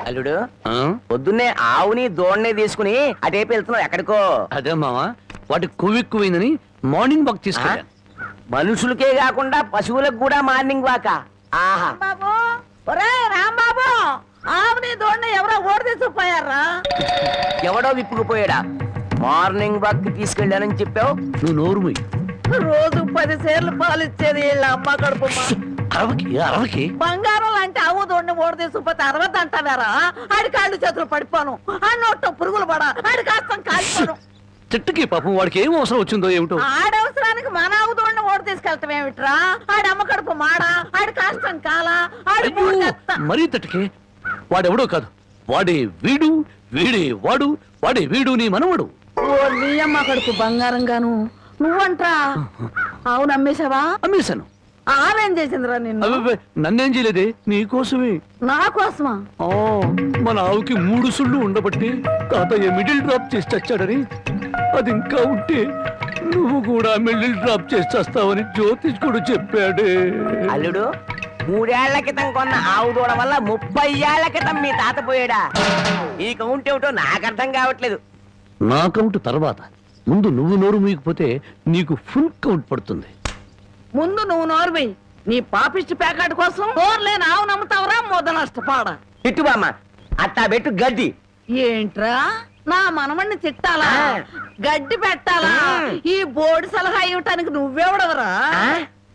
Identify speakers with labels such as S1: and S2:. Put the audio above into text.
S1: అల్లుడు పొద్దున్నే ఆవుని దోణ్ణి తీసుకుని అటేపు వెళ్తున్నావు ఎక్కడికో?
S2: అదే మావా, వాటి కొవ్వెక్కువైందని మార్నింగ్ వాక్ తీసుకెళ్ళాను.
S1: మనుషులకే కాకుండా పశువులకు కూడా మార్నింగ్ వాక. ఆహా
S3: బాబు, ఒరే రాంబాబు, ఆవుని దోణ్ణి ఎవరో ఓడి తీసుకుపోయారా?
S1: ఎవడో విప్పుకుపోయాడా? మార్నింగ్ వాక్ తీసుకెళ్ళానని చెప్పావు.
S2: నువ్వు నోరు మూయి.
S3: రోజు 10 సేర్లు పాలు ఇచ్చేది వీళ్ళ అమ్మ కడుపు.
S2: అరవకి
S3: బంగారం లాంటి ఆవు దోణ్ణి ఓడి తీసుకుపోతే 60 అంటారా? ఆడి కాళ్ళు చేతులు పడిపోను, ఆ నోట్లో పురుగులు పడ, ఆడి కాస్తం కాల్పోను.
S2: చెట్టుకి పాపం వాడికి ఏం అవసరం వచ్చిందో ఏమిటో.
S3: ఆడవసరానికి మన ఆవు దోణ్ణి ఓడి తీసుకెళ్తాం ఏమిట్రా? ఆడి అమ్మ కడుపు మాడా, ఆడి కాస్తం కాలా, ఆడి
S2: మరీ తట్టుకే. వాడెవడో కాదు, వాడే వీడు, వీడే వాడు, వాడే వీడు నీ మనవడు.
S3: ఓ నీ అమ్మ కడుపు బంగారం గాను. నువ్వంట్రా ఆవును అమ్మేశావా?
S2: అమ్మేశాను.
S3: ఆవేం చేసిందిరా నిన్ను?
S2: నన్నేం చేయలేదే, నీకోసమే.
S3: నా కోసమా?
S2: మన ఆవుకి 3 సుళ్ళు ఉండబట్టి తాతయ్య మిడిల్ డ్రాప్ చేసి చచ్చాడని, అది ఇంకా ఉంటే నువ్వు కూడా మిడిల్ డ్రాప్ చేసి చేస్తావని జ్యోతిష్కుడు చెప్పాడే.
S1: అల్లుడు, 3 ఏళ్ల క్రితం కొన్న ఆవు దూడ వల్ల 30 ఏళ్ల క్రితం మీ తాత పోయాడా? ఈ కౌంట్ ఏమిటో నాకు అర్థం కావట్లేదు.
S2: నా కౌంట్ తర్వాత, ముందు నువ్వు నోరు మూయకపోతే నీకు ఫుల్ కౌంట్ పడుతుంది.
S3: ముందు నువ్వు నోర్వి. నీ పాపిష్టి ప్యాకెట్ కోసం నోర్లేని ఆవు నమ్ముతావరా? మొద నష్టపాడ
S1: తిట్టు బామ్మ, అట్టా పెట్టు గడ్డి.
S3: ఏంట్రా నా మనమణ్ణి తిట్టాలా? గడ్డి పెట్టాలా? ఈ బోర్డు సలహా ఇవ్వటానికి నువ్వెవడవరా?